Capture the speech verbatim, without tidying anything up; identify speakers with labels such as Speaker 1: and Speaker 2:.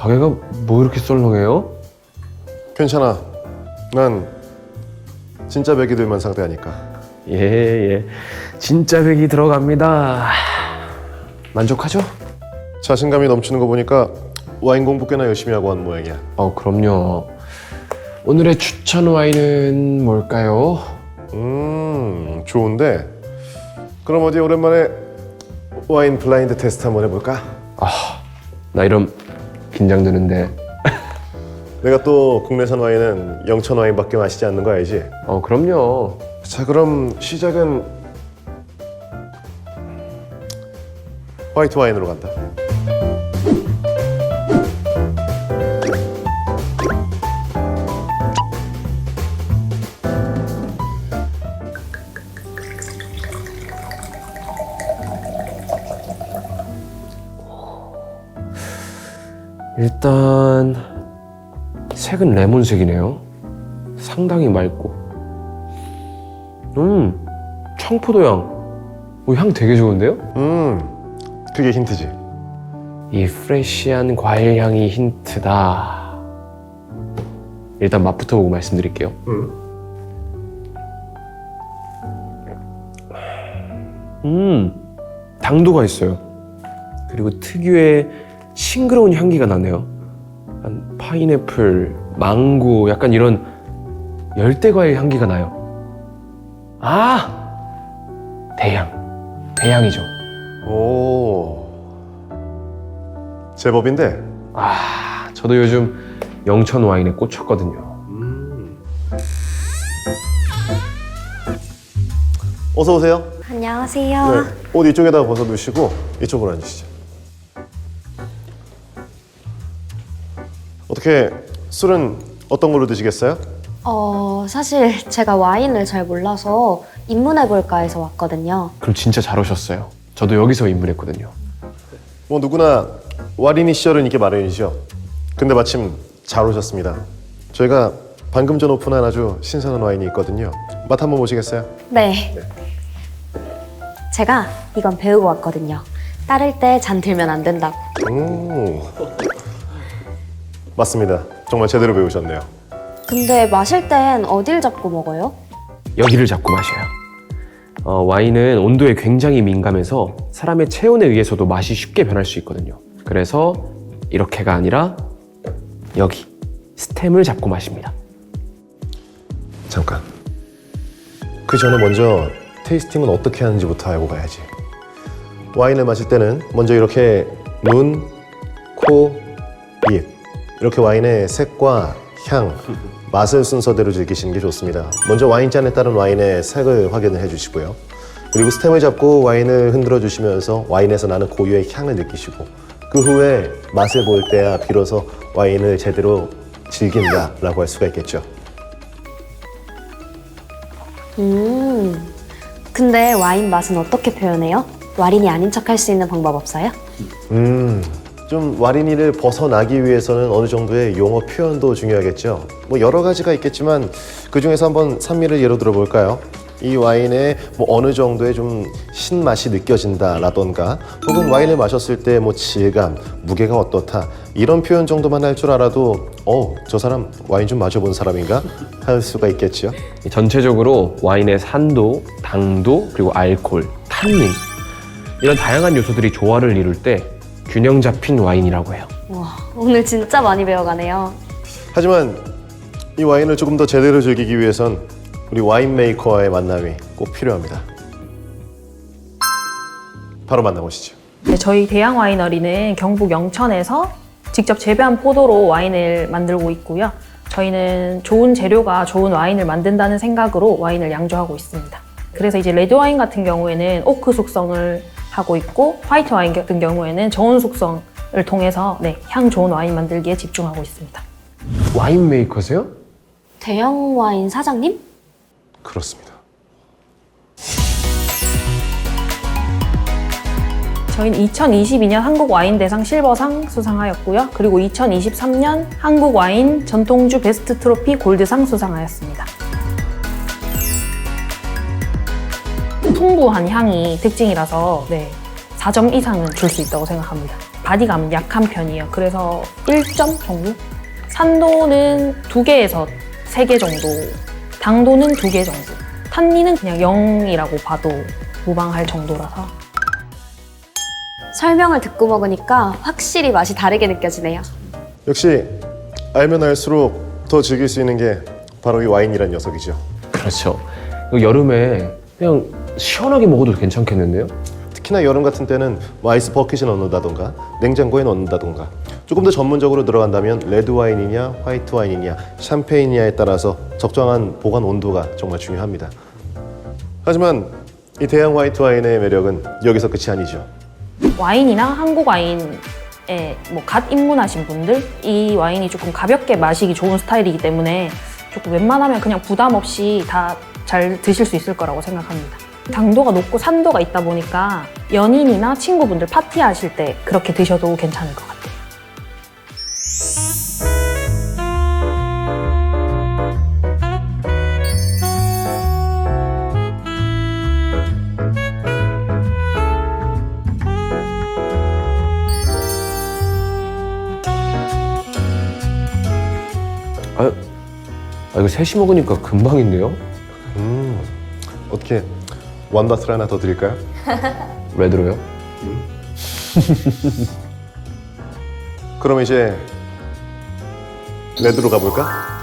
Speaker 1: 가게가 뭐 이렇게 썰렁해요?
Speaker 2: 괜찮아. 난 진짜 백이들만 상대하니까.
Speaker 1: 예, 예. 진짜 백이 들어갑니다. 만족하죠?
Speaker 2: 자신감이 넘치는 거 보니까 와인 공부 꽤나 열심히 하고 한 모양이야.
Speaker 1: 어, 그럼요. 오늘의 추천 와인은 뭘까요?
Speaker 2: 음, 좋은데. 그럼 어디 오랜만에 와인 블라인드 테스트 한번 해볼까?
Speaker 1: 아, 나 이런 긴장되는데.
Speaker 2: 내가 또 국내산 와인은 영천 와인밖에 마시지 않는 거 알지?
Speaker 1: 어, 그럼요.
Speaker 2: 자, 그럼 시작은 화이트 와인으로 간다.
Speaker 1: 일단 색은 레몬색이네요. 상당히 맑고. 음, 청포도 향. 오, 향 되게 좋은데요?
Speaker 2: 음, 그게 힌트지.
Speaker 1: 이 프레쉬한 과일 향이 힌트다. 일단 맛부터 보고 말씀드릴게요.
Speaker 2: 음.
Speaker 1: 음, 당도가 있어요. 그리고 특유의 싱그러운 향기가 나네요. 약간 파인애플, 망고, 약간 이런 열대과일 향기가 나요. 아! 대향. 대향이죠.
Speaker 2: 오, 제법인데.
Speaker 1: 아, 저도 요즘 영천 와인에 꽂혔거든요.
Speaker 2: 음. 어서 오세요.
Speaker 3: 안녕하세요.
Speaker 2: 네, 옷 이쪽에다가 벗어두시고 이쪽으로 앉으시죠. 어떻게 술은 어떤 걸로 드시겠어요?
Speaker 3: 어, 사실 제가 와인을 잘 몰라서 입문해볼까 해서 왔거든요.
Speaker 1: 그럼 진짜 잘 오셨어요. 저도 여기서 입문했거든요.
Speaker 2: 뭐 누구나 와리니 시절은 이게 마련이죠. 근데 마침 잘 오셨습니다. 저희가 방금 전 오픈한 아주 신선한 와인이 있거든요. 맛 한번 보시겠어요?
Speaker 3: 네. 제가 이건 배우고 왔거든요. 따를 때 잔 들면 안 된다고.
Speaker 2: 음. 맞습니다. 정말 제대로 배우셨네요.
Speaker 3: 근데 마실 땐 어딜 잡고 먹어요?
Speaker 1: 여기를 잡고 마셔요. 어, 와인은 온도에 굉장히 민감해서 사람의 체온에 의해서도 맛이 쉽게 변할 수 있거든요. 그래서 이렇게가 아니라 여기 스템을 잡고 마십니다.
Speaker 2: 잠깐. 그 전에 먼저 테이스팅은 어떻게 하는지부터 알고 가야지. 와인을 마실 때는 먼저 이렇게 눈, 코, 입 이렇게 와인의 색과 향, 맛을 순서대로 즐기시는 게 좋습니다. 먼저 와인잔에 따른 와인의 색을 확인을 해주시고요. 그리고 스템을 잡고 와인을 흔들어 주시면서 와인에서 나는 고유의 향을 느끼시고 그 후에 맛을 볼 때야 비로소 와인을 제대로 즐긴다라고 할 수가 있겠죠.
Speaker 3: 음. 근데 와인 맛은 어떻게 표현해요? 와인이 아닌 척 할 수 있는 방법 없어요?
Speaker 2: 음, 좀 와리니를 벗어나기 위해서는 어느 정도의 용어 표현도 중요하겠죠. 뭐 여러 가지가 있겠지만 그 중에서 한번 산미를 예로 들어 볼까요? 이 와인에 뭐 어느 정도의 좀 신맛이 느껴진다라던가 혹은 와인을 마셨을 때 뭐 질감, 무게가 어떻다 이런 표현 정도만 할 줄 알아도 어, 저 사람 와인 좀 마셔본 사람인가? 할 수가 있겠죠.
Speaker 1: 전체적으로 와인의 산도, 당도, 그리고 알코올, 탄닌 이런 다양한 요소들이 조화를 이룰 때 균형 잡힌 와인이라고 해요.
Speaker 3: 와, 오늘 진짜 많이 배워가네요.
Speaker 2: 하지만 이 와인을 조금 더 제대로 즐기기 위해선 우리 와인 메이커와의 만남이 꼭 필요합니다. 바로 만나보시죠.
Speaker 4: 네, 저희 대양 와이너리는 경북 영천에서 직접 재배한 포도로 와인을 만들고 있고요. 저희는 좋은 재료가 좋은 와인을 만든다는 생각으로 와인을 양조하고 있습니다. 그래서 이제 레드 와인 같은 경우에는 오크 숙성을 하고 있고 화이트 와인 같은 경우에는 저온 숙성을 통해서 네, 향 좋은 와인 만들기에 집중하고 있습니다.
Speaker 1: 와인 메이커세요?
Speaker 3: 대형 와인 사장님?
Speaker 2: 그렇습니다.
Speaker 4: 저희는 이천이십이 년 한국 와인 대상 실버상 수상하였고요. 그리고 이천이십삼 년 한국 와인 전통주 베스트 트로피 골드상 수상하였습니다. 풍부한 향이 특징이라서 네, 사 점 이상은 줄 수 있다고 생각합니다. 바디감은 약한 편이에요. 그래서 일 점 정도? 산도는 두 개에서 세 개 정도, 당도는 두 개 정도, 탄닌은 그냥 영이라고 봐도 무방할 정도라서.
Speaker 3: 설명을 듣고 먹으니까 확실히 맛이 다르게 느껴지네요.
Speaker 2: 역시 알면 알수록 더 즐길 수 있는 게 바로 이 와인이란 녀석이죠.
Speaker 1: 그렇죠. 이거 여름에 그냥 시원하게 먹어도 괜찮겠는데요?
Speaker 2: 특히나 여름 같은 때는 와이스 버킷에 넣는다던가 냉장고에 넣는다던가 조금 더 전문적으로 들어간다면 레드 와인이냐 화이트 와인이냐 샴페인이냐에 따라서 적정한 보관 온도가 정말 중요합니다. 하지만 이 대양 화이트 와인의 매력은 여기서 끝이 아니죠.
Speaker 4: 와인이나 한국 와인에 뭐 갓 입문하신 분들, 이 와인이 조금 가볍게 마시기 좋은 스타일이기 때문에 조금 웬만하면 그냥 부담 없이 다 잘 드실 수 있을 거라고 생각합니다. 당도가 높고 산도가 있다 보니까 연인이나 친구분들 파티하실 때 그렇게 드셔도 괜찮을 것 같아요.
Speaker 1: 아, 아 이거 셋이 먹으니까 금방인데요?
Speaker 2: 음, 어떻게 원바스를 하나 더 드릴까요?
Speaker 1: 레드로요?
Speaker 2: 그럼 이제 레드로 가볼까?